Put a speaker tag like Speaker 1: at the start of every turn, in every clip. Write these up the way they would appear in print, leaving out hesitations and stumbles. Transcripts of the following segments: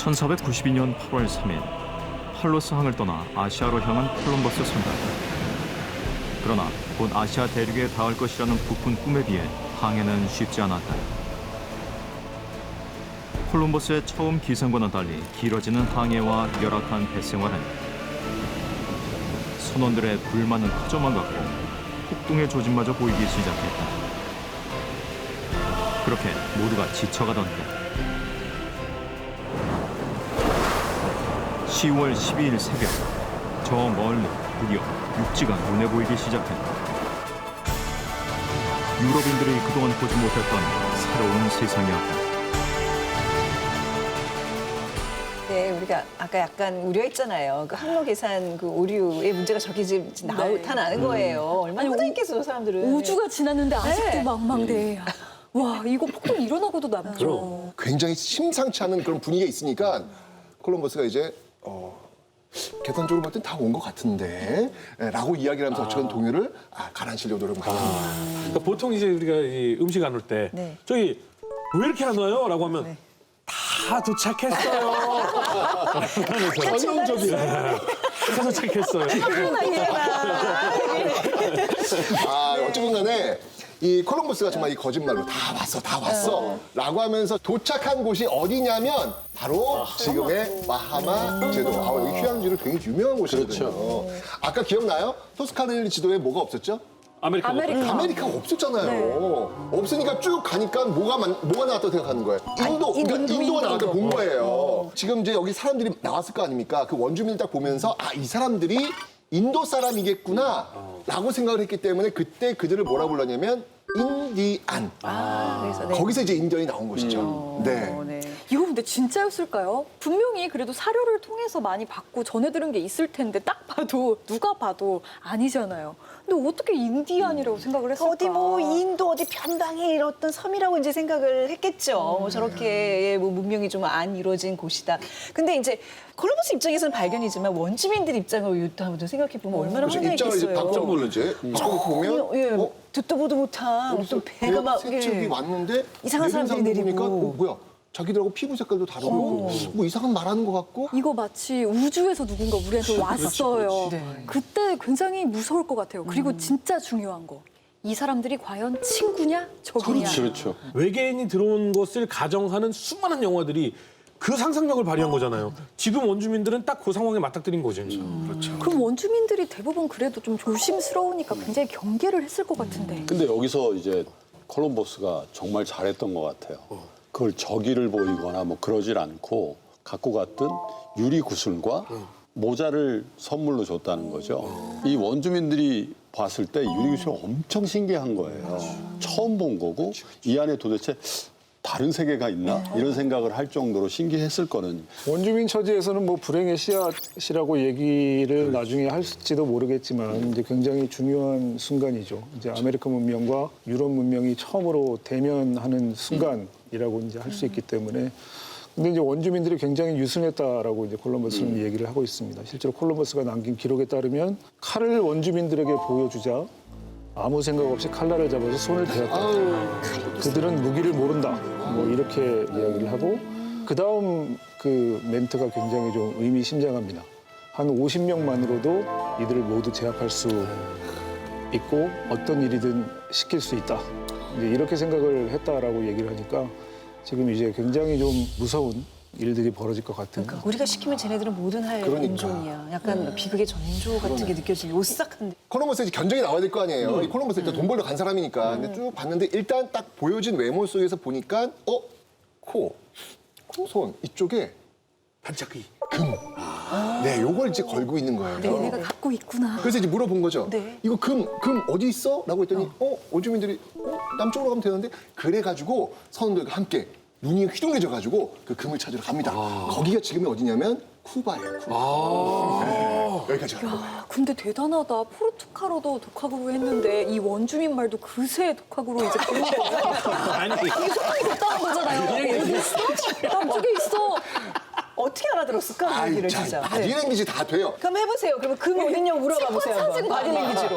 Speaker 1: 1492년 8월 3일 팔로스 항을 떠나 아시아로 향한 콜럼버스 선박. 그러나 곧 아시아 대륙에 닿을 것이라는 부푼 꿈에 비해 항해는 쉽지 않았다. 콜럼버스의 처음 기상과는 달리 길어지는 항해와 열악한 배생활은 선원들의 불만은 커져만 갔고 폭동의 조짐마저 보이기 시작했다. 그렇게 모두가 지쳐가던 때 10월 12일 새벽, 저 멀리 드디어 육지가 눈에 보이기 시작했다. 유럽인들이 그동안 보지 못했던 새로운 세상이었다.
Speaker 2: 네, 우리가 아까 약간 우려했잖아요. 그 항로 계산 그 오류의 문제가 저렇게 지금 나타나는 거예요. 얼마나 후달겠어요, 사람들은.
Speaker 3: 우주가 지났는데 아직도
Speaker 2: 네.
Speaker 3: 망망대해야. 와, 이거 폭동 일어나고도 남죠.
Speaker 4: 굉장히 심상치 않은 그런 분위기가 있으니까 콜럼버스가 이제 계산적으로 볼 땐 다 온 것 같은데 라고 이야기를 하면서 어쨌든 동요를 가라앉히려고 노력을 많이 합니다.
Speaker 5: 그러니까 보통 이제 우리가 이 음식 안 올 때
Speaker 2: 네.
Speaker 5: 저기 왜 이렇게 안 와요? 라고 하면
Speaker 2: 네.
Speaker 5: 다 도착했어요. 전형적이야. 다 도착했어요.
Speaker 4: 어쨌든 간에 이 콜럼버스가 정말 이 거짓말로 다 왔어 라고 하면서 도착한 곳이 어디냐면 바로 지금의 바하마 제도. 여기 휴양지로 굉장히 유명한 곳이거든요. 아까 기억나요? 토스카니 지도에 뭐가 없었죠?
Speaker 5: 아메리카노.
Speaker 4: 아메리카가 없었잖아요. 없으니까 쭉 가니까 뭐가 나왔다고 생각하는 거예요? 인도가 나왔다고 본 거예요. 지금 이제 여기 사람들이 나왔을 거 아닙니까? 그 원주민을 딱 보면서 이 사람들이 인도 사람이겠구나 라고 생각을 했기 때문에 그때 그들을 뭐라 불렀냐면 인디안.
Speaker 2: 그래서 네.
Speaker 4: 거기서 이제 인디언이 나온 것이죠. 네.
Speaker 2: 네.
Speaker 3: 이거 근데 진짜였을까요? 분명히 그래도 사료를 통해서 많이 받고 전해 들은 게 있을 텐데 딱 봐도 누가 봐도 아니잖아요. 근데 어떻게 인디안이라고 생각을 했을까?
Speaker 2: 어디 뭐 인도 어디 변방에 이렇던 섬이라고 이제 생각을 했겠죠. 뭐 저렇게 뭐 문명이 좀 안 이루어진 곳이다. 근데 이제 콜럼버스 입장에서는 발견이지만 원주민들 입장으로 한번 생각해 보면 얼마나
Speaker 4: 그래서 입장을 이제
Speaker 2: 황당했겠어요.
Speaker 4: 바꿔 보는지 보면
Speaker 2: 예, 듣도 보도 못한
Speaker 4: 어디서
Speaker 2: 어떤 배가 막
Speaker 4: 세척이 왔는데
Speaker 2: 이상한 사람들이 내리고.
Speaker 4: 보니까 뭐야? 자기들하고 피부 색깔도 다르고 뭐 이상한 말하는 것 같고.
Speaker 3: 이거 마치 우주에서 누군가 우리한테 왔어요.
Speaker 2: 네.
Speaker 3: 그때 굉장히 무서울 것 같아요. 그리고 진짜 중요한 거. 이 사람들이 과연 친구냐 적이냐.
Speaker 5: 그렇죠. 외계인이 들어온 것을 가정하는 수많은 영화들이 그 상상력을 발휘한 거잖아요. 지금 원주민들은 딱 그 상황에 맞닥뜨린 거죠. 그렇죠.
Speaker 3: 그럼 원주민들이 대부분 그래도 좀 조심스러우니까 굉장히 경계를 했을 것 같은데.
Speaker 6: 근데 여기서 이제 콜럼버스가 정말 잘했던 것 같아요. 그걸 적의를 보이거나 뭐 그러질 않고 갖고 갔던 유리 구슬과 모자를 선물로 줬다는 거죠. 이 원주민들이 봤을 때 유리 구슬이 엄청 신기한 거예요. 처음 본 거고 이 안에 도대체 다른 세계가 있나? 이런 생각을 할 정도로 신기했을 거는.
Speaker 7: 원주민 처지에서는 뭐 불행의 씨앗이라고 얘기를 나중에 할지도 모르겠지만 이제 굉장히 중요한 순간이죠. 이제 아메리카 문명과 유럽 문명이 처음으로 대면하는 순간이라고 이제 할 수 있기 때문에. 근데 이제 원주민들이 굉장히 유순했다라고 이제 콜럼버스는 얘기를 하고 있습니다. 실제로 콜럼버스가 남긴 기록에 따르면 칼을 원주민들에게 보여주자 아무 생각 없이 칼날을 잡아서 손을 베었다. 그들은 무기를 모른다. 뭐 이렇게 이야기를 하고 그다음 그 멘트가 굉장히 좀 의미심장합니다. 한 50명만으로도 이들을 모두 제압할 수 있고 어떤 일이든 시킬 수 있다. 이제 이렇게 생각을 했다라고 얘기를 하니까 지금 이제 굉장히 좀 무서운 일들이 벌어질 것 같은.
Speaker 2: 그러니까 우리가 시키면 쟤네들은 뭐든 할 인종이야. 약간 비극의 전조 같은 게 느껴지는 오싹한데.
Speaker 4: 콜럼버스의 견적이 나와야 될 거 아니에요. 이 콜럼버스 일단 돈 벌러 간 사람이니까. 근데 쭉 봤는데 일단 딱 보여진 외모 속에서 보니까 코, 손 이쪽에
Speaker 5: 반짝이.
Speaker 4: 네, 요걸 이제 걸고 있는 거예요.
Speaker 3: 얘네가 갖고 있구나.
Speaker 4: 그래서 이제 물어본 거죠.
Speaker 2: 네.
Speaker 4: 이거 금 어디 있어? 라고 했더니 원주민들이 남쪽으로 가면 되는데 그래가지고 선원들과 함께 눈이 휘둥그레져가지고 그 금을 찾으러 갑니다. 거기가 지금이 어디냐면 쿠바예요. 쿠바. 네, 여기까지 가는 거예요.
Speaker 3: 야, 근데 대단하다. 포르투갈어도 독학으로 했는데 이 원주민 말도 그새 독학으로 이제 배운 거야.
Speaker 5: 아니,
Speaker 3: 이게 소통이 됐다는 거잖아요. 어디 있어? 남쪽에 있어.
Speaker 2: 어떻게 알아들었을까? 얘기를 진짜. 네.
Speaker 4: 바디랭귀지 다 돼요.
Speaker 2: 그럼 해보세요. 그러면 금 어딨냐고 물어봐 보세요. 한번. 바디랭귀지로.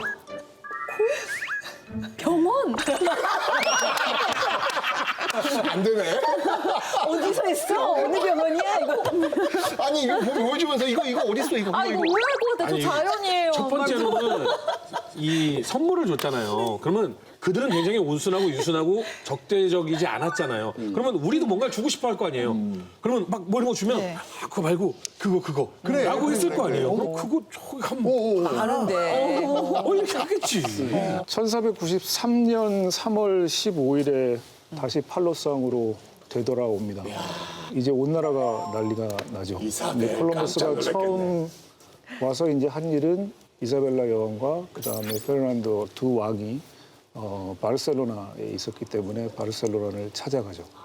Speaker 3: 병원.
Speaker 4: 안 되네.
Speaker 2: 어디서 했어? 어느 병원이야 이거?
Speaker 4: 아니 이거 보여주면서 이거 어디 있어 이거?
Speaker 3: 아, 이거 오해할 것 같아요. 저 자연이에요.
Speaker 5: 첫 번째로는 이 선물을 줬잖아요. 그러면 그들은 굉장히 온순하고 유순하고 적대적이지 않았잖아요. 그러면 우리도 뭔가를 주고 싶어 할 거 아니에요. 그러면 막 뭐 이런 거 주면
Speaker 2: 네.
Speaker 5: 아, 그거 말고 그거
Speaker 4: 그래,
Speaker 5: 라고
Speaker 4: 그래,
Speaker 5: 했을
Speaker 4: 그래,
Speaker 5: 거 아니에요.
Speaker 4: 그래.
Speaker 5: 그럼 그거 저기 한번
Speaker 2: 아는데.
Speaker 5: 이렇게 하겠지.
Speaker 7: 1493년 3월 15일에 다시 팔로스항으로 되돌아옵니다. 이제 온 나라가 난리가 나죠.
Speaker 4: 이사벨
Speaker 7: 근데 콜럼버스가
Speaker 4: 깜짝
Speaker 7: 처음 와서 이제 한 일은 이사벨라 여왕과 그다음에 페르난도 두 왕이 바르셀로나에 있었기 때문에 바르셀로나를 찾아가죠.